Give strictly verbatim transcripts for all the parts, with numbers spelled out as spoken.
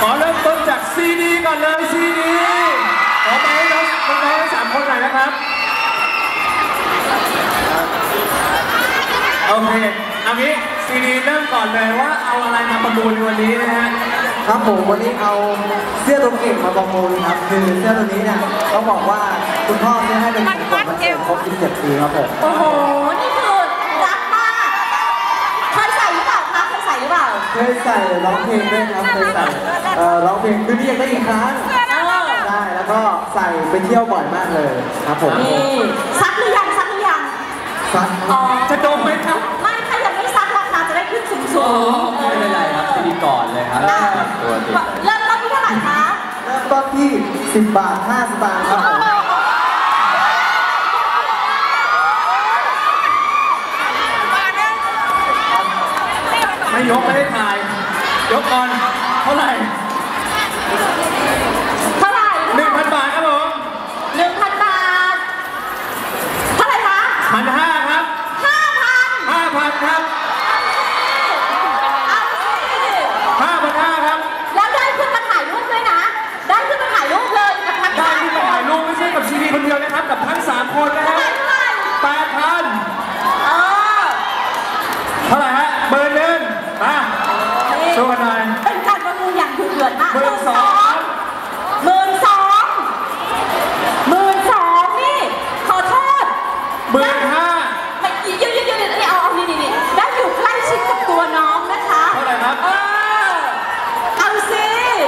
ขอเริ่มต้นจากซีดีก่อนเลยซีดีขอไปให้น้องน้องทั้งสามคนหน่อยนะครับโอเคเอางี้ซีดีเริ่มก่อนเลยว่าเอาอะไรมาประมูลในวันนี้นะฮะครับผมวันนี้เอาเสื้อตัวเก่งมาประมูลครับคือเสื้อตัวนี้เนี่ยเขาบอกว่าคุณพ่อซื้อให้เป็นของขวัญวันเกิดครบสิบเจ็ดปีครับผมโอ้โหนี่คือรักมากเคยใส่หรือเปล่าคะเคยใส่หรือเปล่าเคยใส่ร้องเพลงด้วยครับเคยใส่ร้องเพลงคือนี่ยังได้อีกครั้งได้แล้วก็ใส่ไปเที่ยวบ่อยมากเลยครับผมนี่ซักหรือยังซักหรือยังซักจะดมไหมครับไม่ถ้ายังไม่ซักราคาจะได้ขึ้นสูงสูงไม่เป็นไรครับซีดีก่อนเลยครับตัวจริงเริ่มต้นที่เท่าไหร่คะเริ่มต้นที่สิบบาทห้าสตางค์ครับผมไม่ยกไม่ได้ถ่ายยกก่อนเท่าไหร่เท่าไหร่หนึ่งพันบาทครับผมหนึ่งพันบาทเท่าไหร่คะพันห้าครับห้าพันห้าพันครับห้าพันห้าครับแล้วได้ขึ้นมาถ่ายรูปด้วยนะได้ขึ้นมาถ่ายรูปเลยกับทั้งได้ขึ้นมาถ่ายรูปไม่ใช่กับซีดีคนเดียวนะครับกับทั้งสามคนนะฮะแปดพันเท่าไหร่ฮะเบอร์หนึ่งมาโชว์กันหน่อยเป็นการประมูลอย่างดุเดือดมากหมื่นสองหมื่นสองหมื่นสองนี่ขอโทษหมื่นห้าไม่ยืดยืดยืดนี่เอาเอานี่นี่นี่ได้อยู่ใกล้ชิดกับตัวน้องนะคะเท่าไหร่ครับเออเอาสิ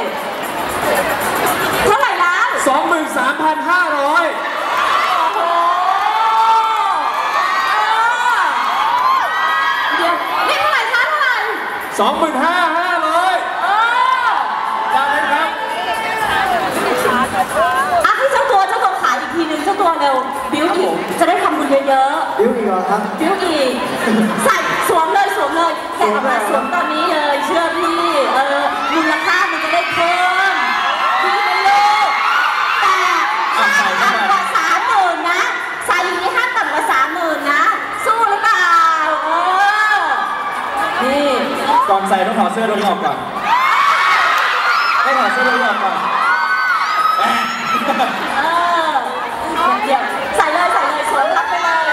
เท่าไหร่แล้วสองหมื่นสามพันห้าร้อยโอ้โหเดี๋ยวนี่เท่าไหร่คะเท่าไหร่สองหมื่นห้าห้าร้อยเออได้ไหมครับอ่ะให้เจ้าตัวเจ้าตัวขายอีกทีนึงเจ้าตัวเร็วบิ้วอีกจะได้ทำบุญเยอะๆบิ้วอีกเหรอครับบิ้วอีกใส่สวมเลยสวมเลยแกะออกมาสวมตอนนี้เลยเชื่อพี่เออมูลค่ามันจะได้เพิ่มพี่ไม่เลิกแต่ห้ามต่ำกว่าสามหมื่นนะใส่อย่างนี้ห้ามต่ำกว่าสามหมื่นนะสู้หรือเปล่าเออนี่ก่อนใส่ต้องถอดเสื้อตัวนี้ออกก่อนต้องถอดเสื้อตัวนี้ออกก่อนเออเดี๋ยวใส่เลยใส่เลยสวมรับไปเลย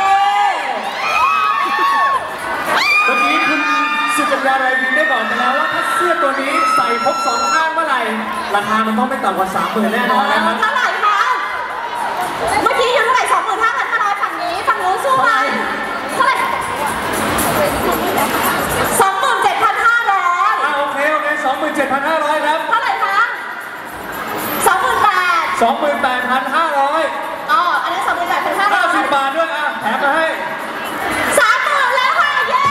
เมื่อกี้คุณสุกัญญาไรบินได้บอกไปแล้วว่าถ้าเสื้อตัวนี้ใส่ครบสองข้างเมื่อไหร่ราคามันต้องไม่ต่ำกว่าสามหมื่นแน่นอนนะครับเท่าไหร่คะเมื่อกี้อยู่เท่าไหร่สองหมื่นห้าพันห้าร้อยฝั่งนี้ฝั่งนู้นสู้ไหมเท่าไหร่สองหมื่นเจ็ดพันห้าร้อยอ่าโอเคโอเคสองหมื่นเจ็ดพันห้าร้อยครับเท่าไหร่คะสองหมื่นแปดสองหมื่นแปดพันห้าร้อยอ๋ออันนั้นสองหมื่นแปดพันห้าร้อยห้าสิบบาทด้วยอ่ะแถมมาให้สามหมื่นแล้วค่ะเย้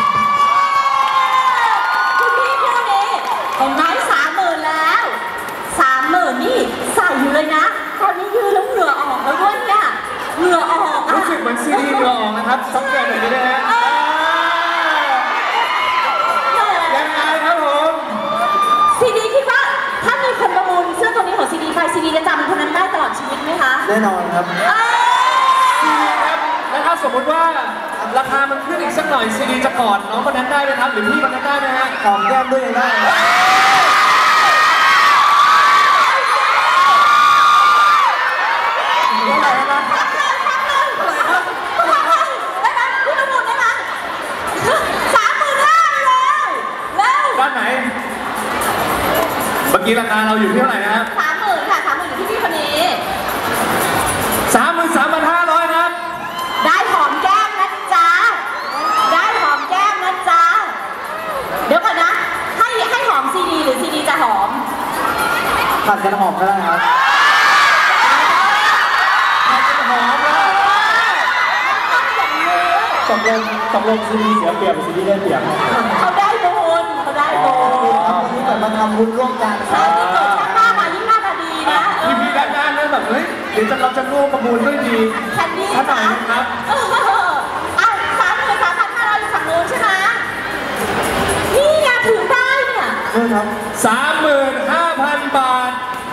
คุณพี่พี่คนนี้เห็นไหมสามหมื่นแล้วสามหมื่นนี่ใส่อยู่เลยนะตอนนี้ยืนแล้วเหงื่อออกแล้วด้วยเนี่ยเหงื่อออกรู้สึกเหมือนซีดีเหงื่อออกนะครับสักแก่หน่อยได้ไหมฮะยังไงครับผมซีดีคิดว่าถ้ามีคนประมูลเสื้อตัวนี้ของซีดีไปซีดีจะจำคนนั้นได้ตลอดชีวิตไหมคะแน่นอนครับซีดีครับแล้วถ้าสมมติว่าราคามันขึ้นอีกสักหน่อยซีดีจะกอดน้องคนนั้นได้ไหมครับหรือพี่คนนั้นได้ไหมฮะหอมแก้มด้วยยังได้เมื่อกี้ราคาเราอยู่ที่เท่าไหร่นะครับสามหมื่นค่ะสามหมื่นอยู่ที่พี่คนนี้สามหมื่นสามพันห้าร้อยครับได้หอมแก้มนะจ๊ะได้หอมแก้มนะจ๊ะเดี๋ยวก่อนนะให้ให้หอมซีดีหรือซีดีจะหอมผัดกันหอมก็ได้ครับผัดกันหอมนะตกลงตกลงซีดีเสียเปรียบซีดีได้เปรียบเขาได้บุญเขาได้บุญวันนี้เกิดมาทำบุญร่วมกันใช่ที่เกิดชาติหน้ามายิ่งหน้าตาดีนะพี่พี่ด้านหน้าเนี่ยแบบเฮ้ยเดี๋ยวจะเราจะร่วมประมูลด้วยดีแคนดี้ขนาดนี้ครับอ่ะสามหมื่นสามพันห้าร้อยอยู่ฝั่งนู้นใช่ไหมนี่ไงถือได้เนี่ยใช่ครับสามหมื่นห้าพันบาท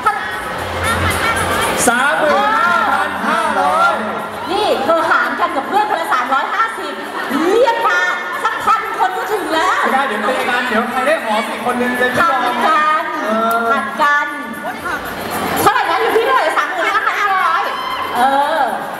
สามหมื่นห้าพันห้าร้อยนี่เธอหารกันกับเพื่อนคนละสามร้อยห้าสิบเรียกมาสักพันคนก็ถึงแล้วไม่ได้เดี๋ยวตีกันเดี๋ยวใครได้หอมอีกคนนึงจะไม่ยอมกันผัดกันเท่าไหร่นะอยู่ที่เท่าไหร่สามหมื่นห้าพันห้าร้อยเออ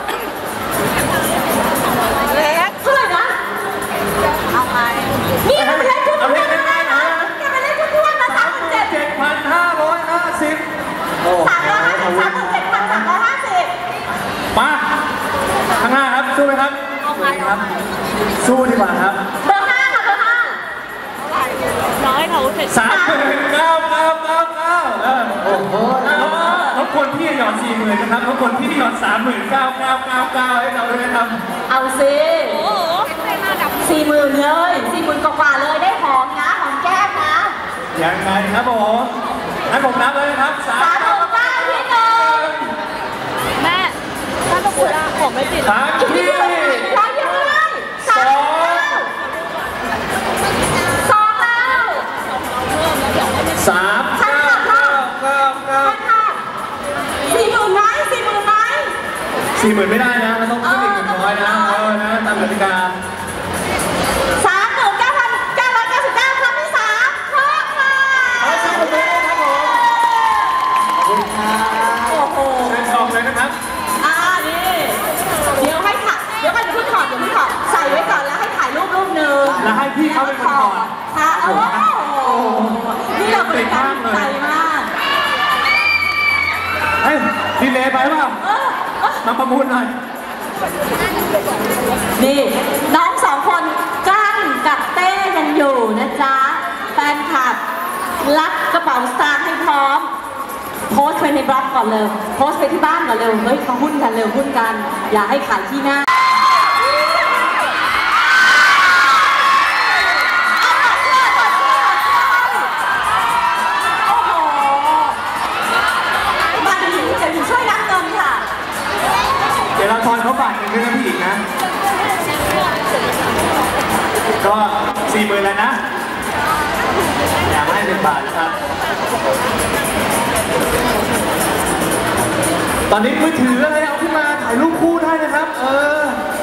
เล็กเท่าไหร่นะเอาไปนี่มันเป็นเลขทุกทุกนะนะมันเป็นเลขทุกทุกนะสามหมื่นเจ็ดเจ็ดพันห้าร้อยห้าสิบสามร้อยห้าสิบสามหมื่นเจ็ดพันสามร้อยห้าสิบมาข้างหน้าครับสู้ไหมครับครับสู้ดีกว่าครับเบอร์ห้าค่ะเบอร์ห้าน้อยเขาเสร็จสามหมื่นเก้าเก้าเก้าเก้าเออโอ้โหรบกวนพี่หยอดสี่หมื่นนะครับรบกวนพี่หยอดสามหมื่นเก้าเก้าเก้าเก้าให้เราด้วยนะครับเอาสิสี่หมื่นเลยสี่หมื่นกว่าๆเลยได้หอมนะหอมแก้มนะยังไงครับผมให้ผมนับเลยนะครับสาสาม มหมื่นเก้าที่หนึ่งแม่ถ้าต้องพูดว่าผมไม่ติดครั้งที่ร้อยเดียวเลยสามหมื่นเก้าสองแล้วสามเก้าเก้าเก้าเก้าค่ะสี่หมื่นไหมสี่หมื่นไหมสี่หมื่นไม่ได้นะเราต้องขึ้นอีกหนึ่งร้อยนะเออนะตามกติกาสามหมื่นเก้าพันเก้าร้อยเก้าสิบเก้าครั้งที่สามเพิ่มค่ะขอเสียงปรบมือด้วยครับผมขอบคุณครับโอ้โหเชิญชมเลยนะครับอ่านี่เดี๋ยวให้ถ่ายเดี๋ยวก่อนเดี๋ยวเพิ่งถอดเดี๋ยวเพิ่งถอดใส่ไว้ก่อนแล้วให้ถ่ายรูปรูปหนึ่งแล้วให้พี่เขาเป็นคนถอดค่ะโอ้โหนี่เราบริการใจมากเฮ้ยดีเลยไปเปล่าเออเออมาประมูลหน่อยนี่น้องสองคนกั้นกับเต้ยังอยู่นะจ๊ะแฟนคลับรักกระเป๋าสตางค์ให้พร้อม โพสต์ไปในบล็อกก่อนเลยโพสต์ไปที่บ้านก่อนเร็วเฮ้ยมาหุ้นกันเร็วหุ้นกัน อย่าให้ขายที่หน้าโอ้โหมาถึงจะถึงช่วยนับเงินค่ะเดี๋ยวเราทอนเขาบาทหนึ่งด้วยนะพี่อีกนะ ก็สี่หมื่นแล้วนะ อยากให้เป็นบาทครับ ตอนนี้มือถืออะไรเอาขึ้นมาถ่ายรูปคู่ได้นะครับ เออ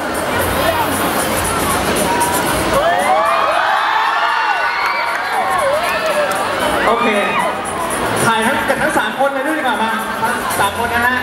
โอเค ถ่ายทั้งกันทั้งสามคนเลยด้วยดีกว่ามาสามคนนะฮะ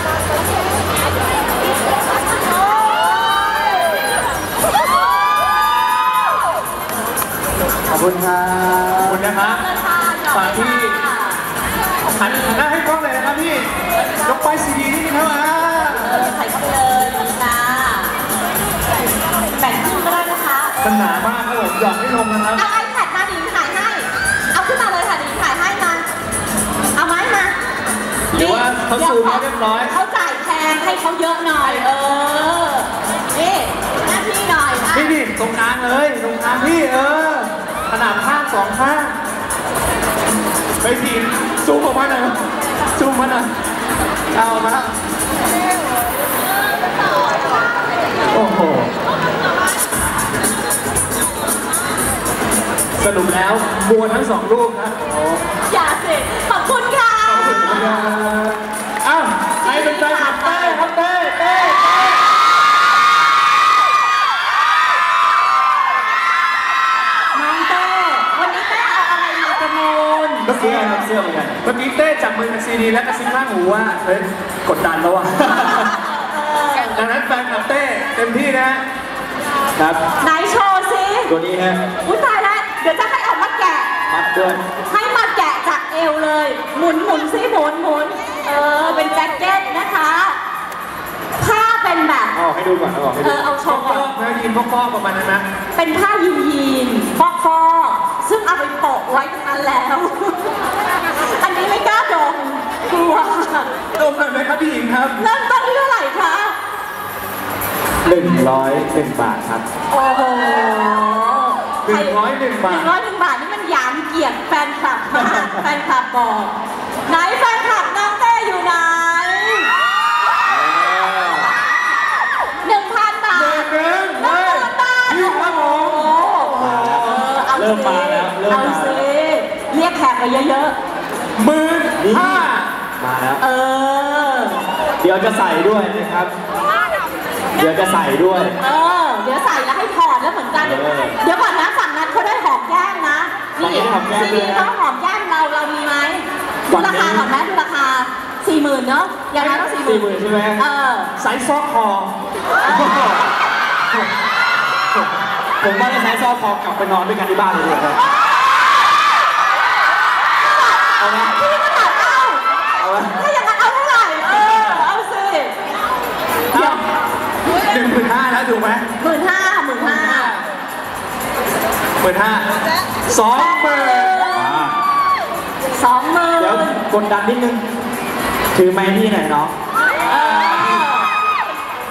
ขอบคุณครัขอบบ คุณนะครับฝากที่หันหน้าให้กล้องเลยนะครับพี่ ยกไปซีดีนี่นะครับอ่าเออใส่เข้าไปเลยขอบคุณค่ะแบ่งครึ่งก็ได้นะคะมันหนามากครับผมหยอดไม่ลงนะครับเอาไอแพดมาดิถ่ายให้ เอาขึ้นมาเลยค่ะดิถ่ายให้มา เอาไม้มาหรือว่าเขาซูมให้เรียบร้อยเขาจ่ายแพงให้เขาเยอะหน่อย เออ นี่หน้าที่หน่อยนะนี่ดิตรงกลางเลยตรงกลางพี่เออ ขนาดข้างสองข้างไปทีซูมออกมาหน่อยซูมมาหน่อยเอามาแล้วโอ้โห สรุปแล้วบัวทั้งสองรูปนะโอ้อย่าสิ ขอบคุณค่ะอ้าวใครเป็นแฟนคลับเต้ครับเต้เต้เต้น้องเต้ วันนี้เต้เอาอะไรมาประมูลเมื่อกี้ครับเสื้อเหมือนกันเมื่อกี้เต้จับมือกับซีดีแล้วกระซิบข้างหูว่าเฮ้ยกดดันแล้วอ่ะ ดังนั้นแฟนคลับเต้เต็มที่นะครับไหนโชว์สิตัวนี้ฮะอุ้ยตายแล้ว เดี๋ยวจะให้ออกมาแกะมัดด้วยให้มาแกะจากเอวเลย หมุนหมุนซิหมุนหมุน เออ เป็นแจ็คเก็ตนะคะ ผ้าเป็นแบบเอาออกให้ดูก่อนเอาออกให้ดูเออเอาโชว์ก่อนฟอกๆนะยีนฟอกๆประมาณนั้นนะเป็นผ้ายีนยีนฟอกฟอกๆซึ่งเอาไปโปะไว้ตรงนั้นแล้ว อันนี้ไม่กล้าดมกลัวดมหน่อยไหมครับพี่หญิงครับเริ่มต้นที่เท่าไหร่คะหนึ่งร้อยหนึ่งบาทครับโอ้โหหนึ่งร้อยหนึ่งบาทหนึ่งร้อยหนึ่งบาทนี่มันหยามเกียรติแฟนคลับมากแฟนคลับบอก ไหนแฟนคลับน้องเต้อยู่ไหนหนึ่งพันบาทเดินเดินหนึ่งเฮ้ยพันบาทพี่ครับผมโอ้โหเอาเริ่มมาแล้วเริ่มเอามาสิเรียกแขกไปเยอะหมื่นห้ามาแล้วๆ เออเดี๋ยวจะใส่ด้วยนะครับ เดี๋ยวจะใส่ด้วยเออ เดี๋ยวใส่แล้วให้ถอดแล้วเหมือนกันเออเดี๋ยวก่อนนะฝั่งนั้นเขาได้หอมแก้มนะฝั่งนี้หอมแก้มซีด้วยดีนะเขาหอมแก้มเราเรามีไหมดูราคาก่อนไหมดูราคาสี่หมื่นเนาะอย่างนั้นต้องสี่หมื่นสี่หมื่นใช่ไหมเออไซส์ซอกคอ ผมว่าจะไซส์ซอกคอกลับไปนอนด้วยกันที่บ้านเลยดีกว่าเอาไหมพี่ก็ถามเอาเอาไหมถ้าอย่างนั้นเอาเท่าไหร่เออเอาสิเอาหนึ่งหมื่นห้าแล้วถูกไหมหมื่นห้าหมื่นห้าหมื่นห้าสองหมื่นสองหมื่นเดี๋ยวกดดันนิดนึง ถือไม้พี่หน่อยเนาะเออ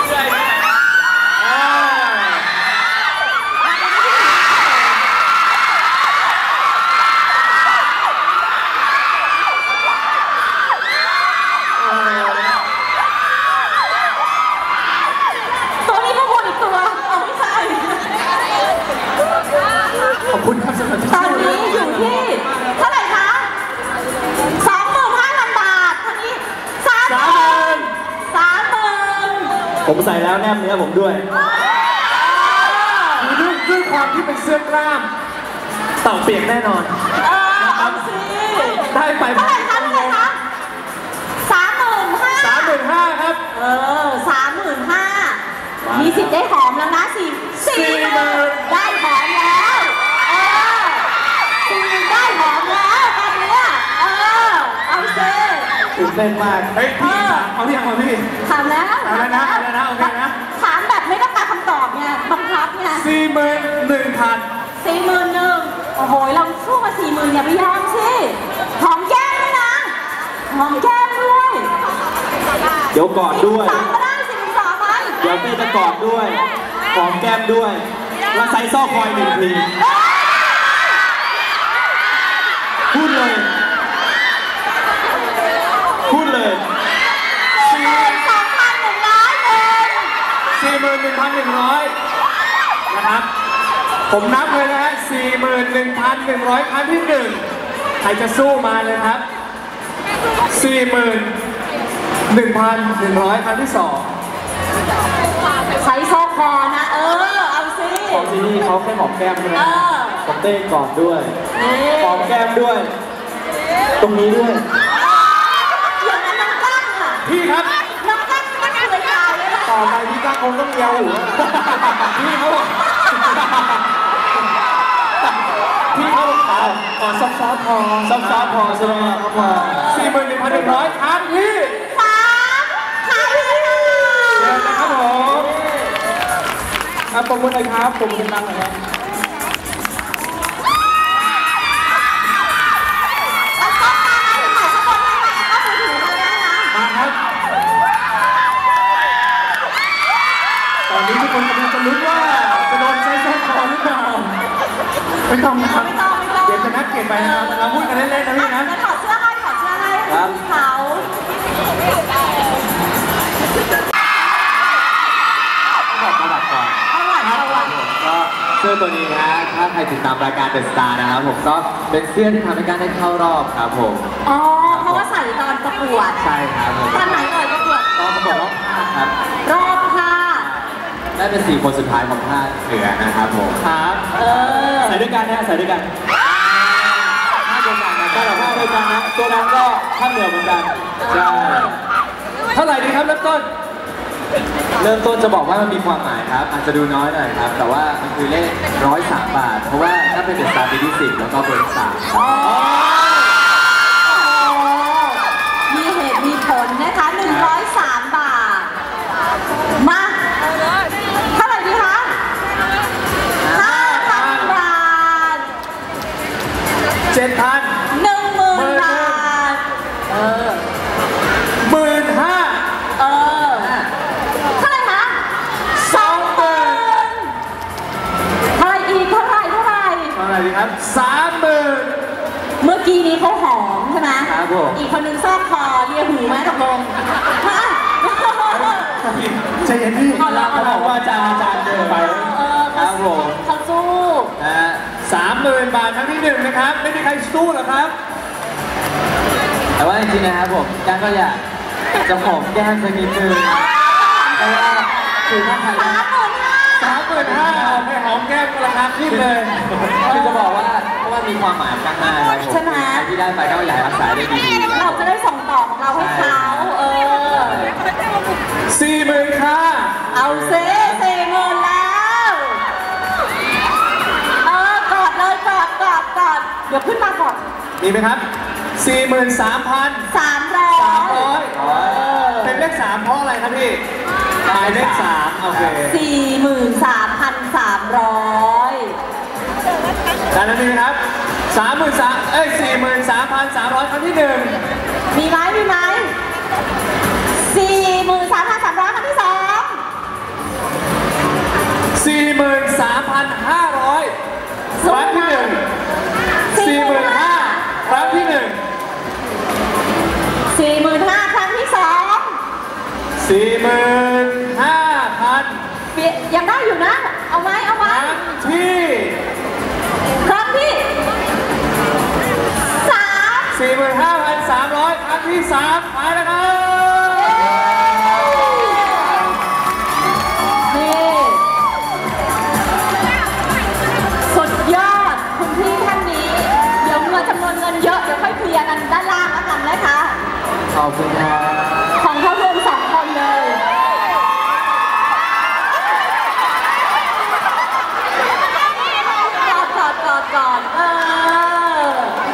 ตัวนี้ก็วนอีกตัว เอาไม่ใช่ขอบคุณครับสำหรับตอนนี้อยู่ที่เท่าไหร่คะสองหมื่นห้าพันบาทตอนนี้สามหมื่นสามหมื่นผมใส่แล้วแนบเนื้อผมด้วยด้วยด้วยความที่เป็นเสื้อกล้ามเต่าเปียกแน่นอนเออเอาสิได้ไปเท่าไหร่คะเท่าไหร่คะสามหมื่นห้าสามหมื่นห้าครับเออสามหมื่นห้ามีสิทธิ์ได้หอมแล้วนะสี่สี่หมื่นได้หอมแล้วเออสี่หมื่นได้หอมแล้วตอนเนี้ยเออเอาสิตื่นเต้นมาก เฮ้ยพี่ถามเอาที่ยังเอาพี่ถามแล้วเอาแล้วนะเอาแล้วนะโอเคนะถามแบบไม่ต้องการคำตอบไงบังคับไงสี่หมื่นหนึ่งพันสี่หมื่นหนึ่งโอ้โหเราสู้มาสี่หมื่นอย่าไปยอมสิหอมแก้มด้วยนะหอมแก้มด้วยเดี๋ยวกอดด้วยสองก็ได้สี่หมื่นสองไหมเดี๋ยวพี่จะกอดด้วยหอมแก้มด้วย แล้วไซส์ซอกคอยหนึ่งที พูดเลย พูดเลยสี่หมื่นสองพันหนึ่งร้อยเองสี่หมื่นหนึ่งพันหนึ่งร้อยนะครับ ผมนับเลยนะฮะสี่หมื่นหนึ่งพันหนึ่งร้อยครั้งที่หนึ่งใครจะสู้มาเลยครับสี่หมื่นหนึ่งพันหนึ่งร้อยครั้งที่สองใช้โซคอนะ เออ เอาสิของที่นี่เขาแค่หอมแก้มใช่ไหมเออผมเต้นกอดด้วยนี่หอมแก้มด้วย ตรงนี้ด้วยอย่างนั้นน้องกั้งอ่ะพี่ครับน้องกั้งไม่เคยตายเลยนะต่อไปพี่ก้างคงต้องเยาหัวพี่เขาบอกพี่เขาบอกเอาขอซอฟต์ๆพอซอฟต์ๆพอใช่ไหมครับพอสี่หมื่นหนึ่งพันหนึ่งร้อยครั้งที่สามครั้งที่เชิญนะครับผมครับปรบมือเลยครับปรบมือดังๆหน่อยครับเอากล้องมาให้ถ่ายสักคนได้ไหมเอามือถือมาได้นะมาครับ ตอนนี้ทุกคนกำลังจะลุ้นว่าจะโดนใช้ส้นคอหรือเปล่าไม่ต้องนะครับไม่ต้องไม่ต้องเดี๋ยวจะนัดเก็บไปนะครับเราพูดกันเล่นๆนะพี่นะงั้นถอดเสื้อให้ถอดเสื้อให้ครับเขาบอกประวัติก่อนเอาหวานเอาหวานก็เสื้อตัวนี้นะฮะถ้าใครติดตามรายการเดอะสตาร์นะครับผมก็เป็นเสื้อที่ทำให้การได้เข้ารอบครับผมอ๋อ เพราะว่าใส่ตอนประกวดใช่ครับผมตอนไหนเอ่ยประกวดตอนประกวดรอบห้าครับรอบค่ะได้เป็นสี่คนสุดท้ายของภาคเหนือนะครับผมครับเออใส่ด้วยกันนะใส่ด้วยกันภาคเดียวกันนะได้หรอภาคเดียวกันนะตัวนั้นก็ภาคเหนือเหมือนกันใช่เท่าไหร่ดีครับเริ่มต้นเริ่มต้นจะบอกว่ามันมีความหมายครับ อาจจะดูน้อยหน่อยครับ แต่ว่ามันคือเลขร้อยสามบาท เพราะว่าถ้าเป็นเดอะสตาร์ปีที่สิบแล้วก็เบอร์สามครับมีเหตุมีผลนะคะหนึ่งร้อยสามบาท มา เท่าไหร่ดีคะห้าพันบาทเจ็ดพันหนึ่งหมื่นบาท เออหมื่นห้าเออ เท่าไหร่คะสองหมื่นเท่าไหร่อีกเท่าไหร่เท่าไหร่เท่าไหร่ดีครับสามหมื่นเมื่อกี้นี้เขาหอมใช่ไหมครับผมอีกคนนึงซอกคอเลียหูไหมตกลงฮะใจเย็นพี่เอาละเขาบอกว่าอาจารย์อาจารย์เดินไปเออครับผมเขาสู้นะฮะสามหมื่นบาทครั้งที่หนึ่งนะครับ ไม่มีใครสู้หรอกครับแต่ว่าจริงๆนะครับผมการก็อยากจะหอมแก้มสักนิดนึงเพราะว่าคือถ้าใครสามหมื่นห้าสามหมื่นห้าเอาไปหอมแก้มก็ราคาขึ้นเลยคือจะบอกว่าเพราะว่ามีความหมายข้างหน้าครับผมใช่ไหมใครที่ได้ไปก็อยากรักษาได้ดีๆเราจะได้ส่งต่อของเราให้เขาเออสี่หมื่นค่ะเอาเซ่สี่หมื่นแล้วเออกอดเลยกอดกอดกอดเดี๋ยวขึ้นมาก่อนมีไหมครับสี่หมื่นสามพันสามร้อยสามร้อยเออเป็นเลขสามเพราะอะไรครับพี่หมายเลขสามโอเคสี่หมื่นสามพันสามร้อยด้านนั้นมีไหมครับสามหมื่นสามเอ้ยสี่หมื่นสามพันสามร้อยครั้งที่หนึ่งมีไหมมีไหมสี่หมื่นสามพันสามร้อยครั้งที่สองสี่หมื่นสามพันห้าร้อยครั้งที่หนึ่งสี่หมื่นห้าครั้งที่หนึ่งสี่หมื่นห้าครั้งที่สองสี่หมื่นห้าพันเปียยังได้อยู่นะ เอาไหมเอาไหมครั้งที่ครั้งที่สามสี่หมื่นห้าพันสามร้อยครั้งที่สามไปแล้วครับนี่สุดยอดคุณพี่ท่านนี้ เดี๋ยวเงินจำนวนเงินเยอะ เดี๋ยวค่อยเคลียร์กันด้านล่างแล้วกันนะคะขอบคุณครับของเขารวมสองคนเลยกอดกอดกอดกอดเออ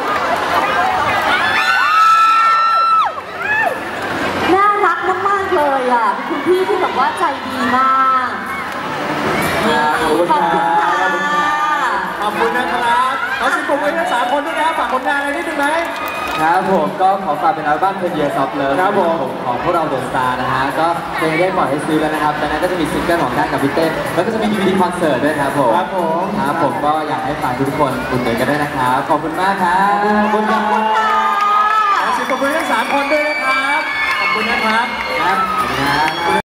น่ารักมากๆเลยอ่ะเป็นคุณพี่ที่แบบว่าใจดีมากนี่ขอบคุณค่ะขอบคุณนะครับขอสิบปุ่มไว้ทั้งสามคนด้วยนะฝากผลงานอะไรนิดนึงไหมครับผมก็ขอฝากเป็นอัลบั้ม Ten Years of Love ครับผมของพวกเราเดอะสตาร์นะฮะก็เพลงได้ปล่อยให้ซื้อแล้วนะครับจากนั้นก็จะมีซิงเกิลของด้านกับพี่เต้นแล้วก็จะมี ดี วี ดี คอนเสิร์ตด้วยครับผมครับผมครับผมก็อยากให้ฝากทุกคนอุดหนุนกันด้วยนะครับขอบคุณมากครับขอบคุณครับขอสิบปุ่มไว้ทั้งสามคนด้วยนะครับ ขอบคุณนะครับครับ